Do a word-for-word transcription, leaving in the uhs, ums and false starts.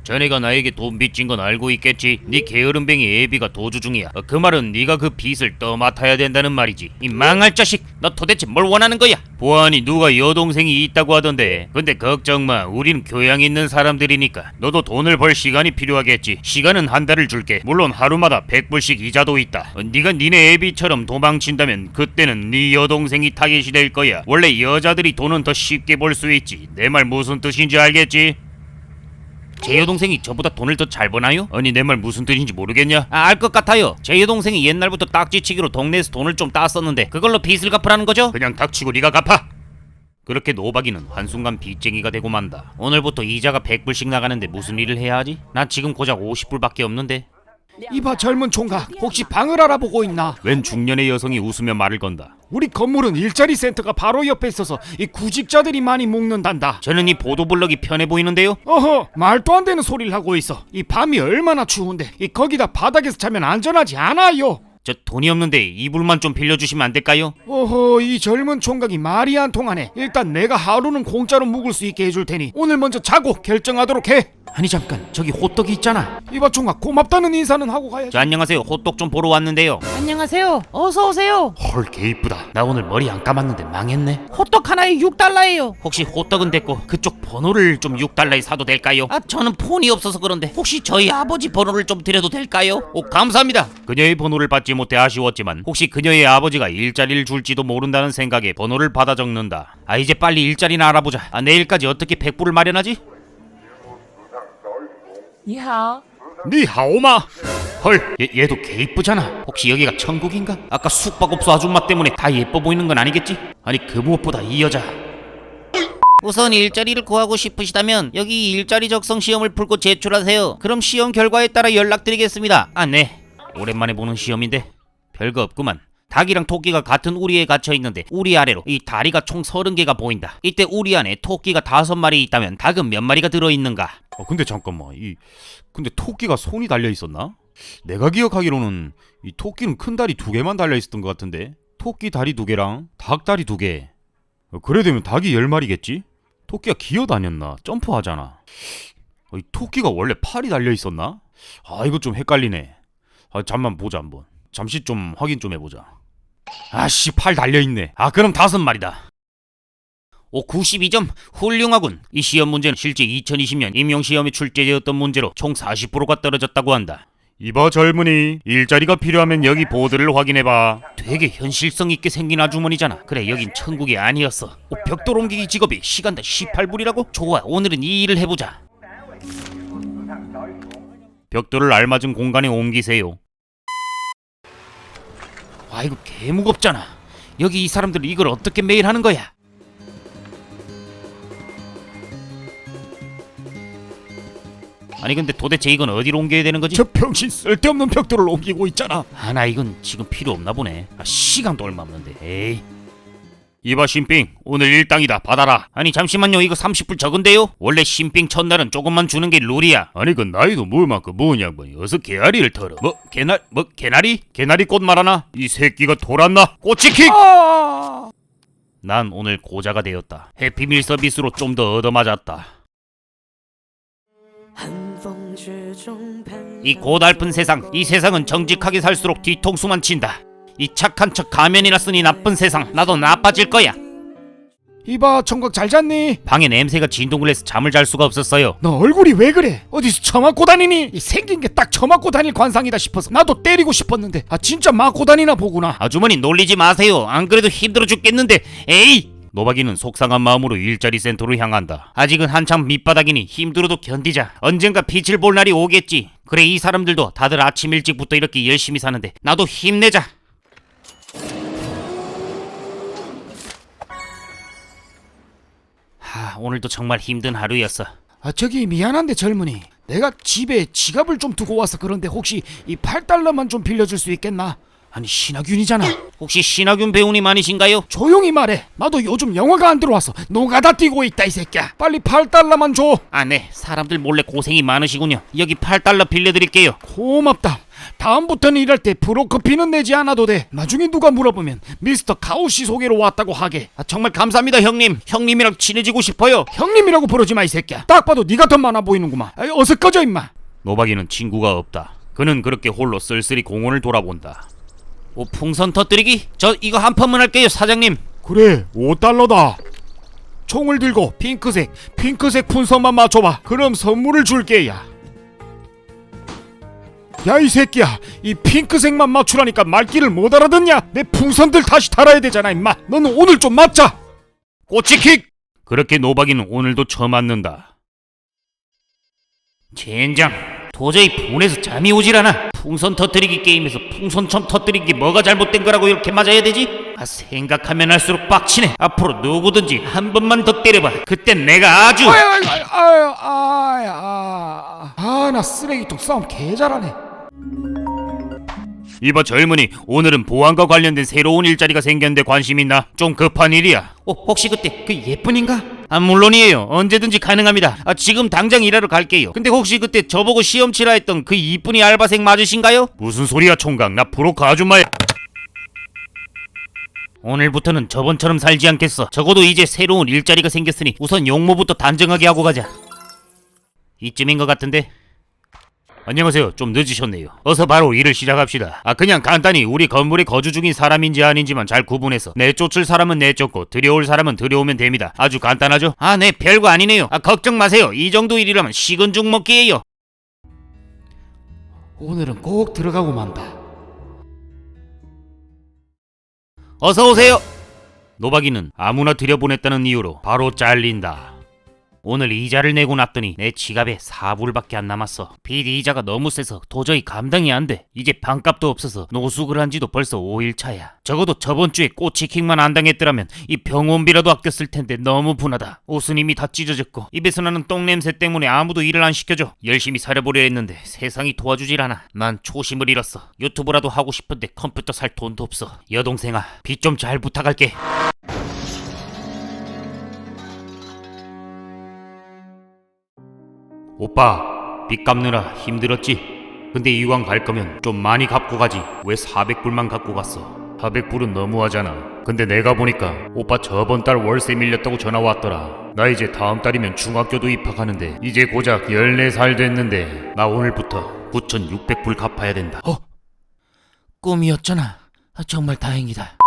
자네가 나에게 돈 빚진 건 알고 있겠지. 네 게으름뱅이 애비가 도주 중이야. 어, 그 말은 네가 그 빚을 떠맡아야 된다는 말이지. 이 망할 자식, 너 도대체 뭘 원하는 거야? 보아하니 누가 여동생이 있다고 하던데. 근데 걱정마, 우린 교양 있는 사람들이니까. 너도 돈을 벌 시간이 필요하겠지. 시간은 한 달을 줄게. 물론 하루마다 백 불씩 이자도 있다. 어, 네가 니네 애비처럼 도망친다면 그때는 네 여동생이 타겟이 될 거야. 원래 여자들이 돈은 더 쉽게 벌 수 있지. 내 말 무슨 뜻인지 알겠지? 제 여동생이 저보다 돈을 더 잘 버나요? 아니 내 말 무슨 뜻인지 모르겠냐? 아, 알 것 같아요. 제 여동생이 옛날부터 딱지치기로 동네에서 돈을 좀 땄었는데 그걸로 빚을 갚으라는 거죠? 그냥 닥치고 네가 갚아! 그렇게 노박이는 한순간 빚쟁이가 되고 만다. 오늘부터 이자가 백 불씩 나가는데 무슨 일을 해야 하지? 난 지금 고작 오십 불밖에 없는데. 이봐 젊은 총각, 혹시 방을 알아보고 있나? 웬 중년의 여성이 웃으며 말을 건다. 우리 건물은 일자리 센터가 바로 옆에 있어서 이 구직자들이 많이 묵는단다. 저는 이 보도블럭이 편해 보이는데요? 어허, 말도 안 되는 소리를 하고 있어. 이 밤이 얼마나 추운데 이 거기다 바닥에서 자면 안전하지 않아요. 저 돈이 없는데 이불만 좀 빌려주시면 안 될까요? 어허, 이 젊은 총각이 말이 안 통하네. 일단 내가 하루는 공짜로 묵을 수 있게 해줄 테니 오늘 먼저 자고 결정하도록 해. 아니 잠깐, 저기 호떡이 있잖아. 이봐 총각, 고맙다는 인사는 하고 가야지. 저 안녕하세요, 호떡 좀 보러 왔는데요. 안녕하세요. 어서 오세요. 헐, 개 이쁘다. 나 오늘 머리 안 감았는데 망했네. 호떡 하나에 육 달러예요. 혹시 호떡은 됐고 그쪽 번호를 좀 육 달러에 사도 될까요? 아, 저는 폰이 없어서 그런데 혹시 저희 아버지 번호를 좀 드려도 될까요? 오, 감사합니다. 그녀의 번호를 받지 못해 아쉬웠지만 혹시 그녀의 아버지가 일자리를 줄지도 모른다는 생각에 번호를 받아 적는다. 아, 이제 빨리 일자리나 알아보자. 아, 내일까지 어떻게 백 불을 마련하지? 니하오. 니하오마. 헐, 얘, 얘도 개 이쁘잖아. 혹시 여기가 천국인가? 아까 숙박업소 아줌마 때문에 다 예뻐 보이는 건 아니겠지? 아니 그 무엇보다 이 여자. 우선 일자리를 구하고 싶으시다면 여기 일자리 적성 시험을 풀고 제출하세요. 그럼 시험 결과에 따라 연락드리겠습니다. 아, 네. 오랜만에 보는 시험인데 별거 없구만. 닭이랑 토끼가 같은 우리에 갇혀있는데 우리 아래로 이 다리가 총 서른 개가 보인다. 이때 우리 안에 토끼가 다섯 마리 있다면 닭은 몇 마리가 들어있는가? 어, 근데 잠깐만, 이 근데 토끼가 손이 달려 있었나? 내가 기억하기로는 이 토끼는 큰 다리 두 개만 달려 있었던 것 같은데. 토끼 다리 두 개랑 닭 다리 두 개. 어, 그래 되면 닭이 열 마리겠지? 토끼가 기어다녔나? 점프하잖아. 어, 이 토끼가 원래 팔이 달려 있었나? 아, 이거 좀 헷갈리네. 아, 잠만 보자 한번. 잠시 좀 확인 좀 해보자. 아씨, 팔 달려있네. 아, 그럼 다섯 마리다. 오, 구십이 점. 훌륭하군. 이 시험 문제는 실제 이천이십 년 임용시험에 출제되었던 문제로 총 사십 퍼센트가 떨어졌다고 한다. 이봐 젊은이, 일자리가 필요하면 여기 보드를 확인해봐. 되게 현실성 있게 생긴 아주머니잖아. 그래, 여긴 천국이 아니었어. 오, 벽돌 옮기기 직업이 시간당 십팔 불이라고? 좋아, 오늘은 이 일을 해보자. 벽돌을 알맞은 공간에 옮기세요. 아, 이거 개 무겁잖아. 여기 이 사람들은 이걸 어떻게 매일 하는 거야? 아니 근데 도대체 이건 어디로 옮겨야 되는 거지? 저 병신 쓸데없는 벽돌을 옮기고 있잖아. 아, 나 이건 지금 필요 없나 보네. 아, 시간도 얼마 없는데. 에이. 이봐 신빙, 오늘 일당이다. 받아라. 아니 잠시만요, 이거 삼십 불 적은데요? 원래 신빙 첫날은 조금만 주는 게 룰이야. 아니 그 나이도 뭘만큼 뭐냐고. 어서 개나리를 털어. 뭐 개나 뭐 개나리? 개나리 꽃 말하나? 이 새끼가 돌았나? 꼬치킥! 아! 난 오늘 고자가 되었다. 해피밀 서비스로 좀 더 얻어맞았다. 이 고달픈 세상, 이 세상은 정직하게 살수록 뒤통수만 친다. 이 착한 척 가면이나 쓰니 나쁜 세상, 나도 나빠질 거야. 이봐 총각, 잘 잤니? 방에 냄새가 진동을 해서 잠을 잘 수가 없었어요. 너 얼굴이 왜 그래? 어디서 처맞고 다니니? 이 생긴 게 딱 처맞고 다닐 관상이다 싶어서 나도 때리고 싶었는데 아 진짜 맞고 다니나 보구나. 아주머니 놀리지 마세요. 안 그래도 힘들어 죽겠는데. 에이! 노박이는 속상한 마음으로 일자리 센터로 향한다. 아직은 한참 밑바닥이니 힘들어도 견디자. 언젠가 빛을 볼 날이 오겠지. 그래, 이 사람들도 다들 아침 일찍부터 이렇게 열심히 사는데 나도 힘내자. 하, 오늘도 정말 힘든 하루였어. 아 저기 미안한데 젊은이, 내가 집에 지갑을 좀 두고 와서 그런데 혹시 이 팔 달러만 좀 빌려줄 수 있겠나? 아니 신하균이잖아. 혹시 신하균 배우님 아니신가요? 조용히 말해. 나도 요즘 영화가 안 들어와서 노가다 뛰고 있다 이 새끼야. 빨리 팔 달러만 줘. 아, 네. 사람들 몰래 고생이 많으시군요. 여기 팔 달러 빌려드릴게요. 고맙다. 다음부터는 일할 때 브로커피는 내지 않아도 돼. 나중에 누가 물어보면 미스터 카우씨 소개로 왔다고 하게. 아, 정말 감사합니다, 형님. 형님이랑 친해지고 싶어요. 형님이라고 부르지 마 이 새끼야. 딱 봐도 네가 더 많아 보이는구만. 아이, 어서 꺼져 임마. 노박이는 친구가 없다. 그는 그렇게 홀로 쓸쓸히 공원을 돌아본다. 오, 풍선 터뜨리기? 저 이거 한 판만 할게요, 사장님. 그래 오 달러다. 총을 들고 핑크색 핑크색 풍선만 맞춰봐. 그럼 선물을 줄게. 야 야 이 새끼야, 이 핑크색만 맞추라니까 말귀를 못 알아듣냐? 내 풍선들 다시 달아야 되잖아 임마. 너는 오늘 좀 맞자. 꼬치킥! 그렇게 노박이는 오늘도 쳐맞는다. 젠장, 도저히 분해서 잠이 오질 않아. 풍선 터뜨리기 게임에서 풍선 처음 터뜨린 게 뭐가 잘못된 거라고 이렇게 맞아야 되지? 아, 생각하면 할수록 빡치네. 앞으로 누구든지 한 번만 더 때려봐. 그땐 내가 아주... 아유 아유 아유 아유 아유 아나 쓰레기통 싸움 개 잘하네. 이봐 젊은이, 오늘은 보안과 관련된 새로운 일자리가 생겼는데 관심 있나? 좀 급한 일이야. 어, 혹시 그때 그 예쁜인가? 아, 물론이에요. 언제든지 가능합니다. 아, 지금 당장 일하러 갈게요. 근데 혹시 그때 저보고 시험 치라 했던 그 이쁜이 알바생 맞으신가요? 무슨 소리야 총각, 나 브로커 아줌마야. 오늘부터는 저번처럼 살지 않겠어. 적어도 이제 새로운 일자리가 생겼으니 우선 용모부터 단정하게 하고 가자. 이쯤인 것 같은데? 안녕하세요. 좀 늦으셨네요. 어서 바로 일을 시작합시다. 아, 그냥 간단히 우리 건물에 거주 중인 사람인지 아닌지만 잘 구분해서 내쫓을 사람은 내쫓고 들여올 사람은 들여오면 됩니다. 아주 간단하죠? 아, 네, 별거 아니네요. 아, 걱정 마세요. 이 정도 일이라면 식은 죽 먹기예요. 오늘은 꼭 들어가고 만다. 어서 오세요. 노박이는 아무나 들여보냈다는 이유로 바로 잘린다. 오늘 이자를 내고 났더니 내 지갑에 사 불밖에 안 남았어. 빚 이자가 너무 세서 도저히 감당이 안 돼. 이제 반값도 없어서 노숙을 한 지도 벌써 오 일 차야. 적어도 저번 주에 꼬치킥만 안 당했더라면 이 병원비라도 아꼈을 텐데 너무 분하다. 옷은 이미 다 찢어졌고 입에서 나는 똥냄새 때문에 아무도 일을 안 시켜줘. 열심히 살아보려 했는데 세상이 도와주질 않아. 난 초심을 잃었어. 유튜브라도 하고 싶은데 컴퓨터 살 돈도 없어. 여동생아, 빚 좀 잘 부탁할게. 오빠, 빚 갚느라 힘들었지? 근데 이왕 갈 거면 좀 많이 갚고 가지. 왜 사백 불만 갖고 갔어? 사백 불은 너무하잖아. 근데 내가 보니까 오빠 저번 달 월세 밀렸다고 전화 왔더라. 나 이제 다음 달이면 중학교도 입학하는데 이제 고작 열네 살 됐는데 나 오늘부터 구천육백 불 갚아야 된다. 꿈이었잖아. 아, 정말 다행이다.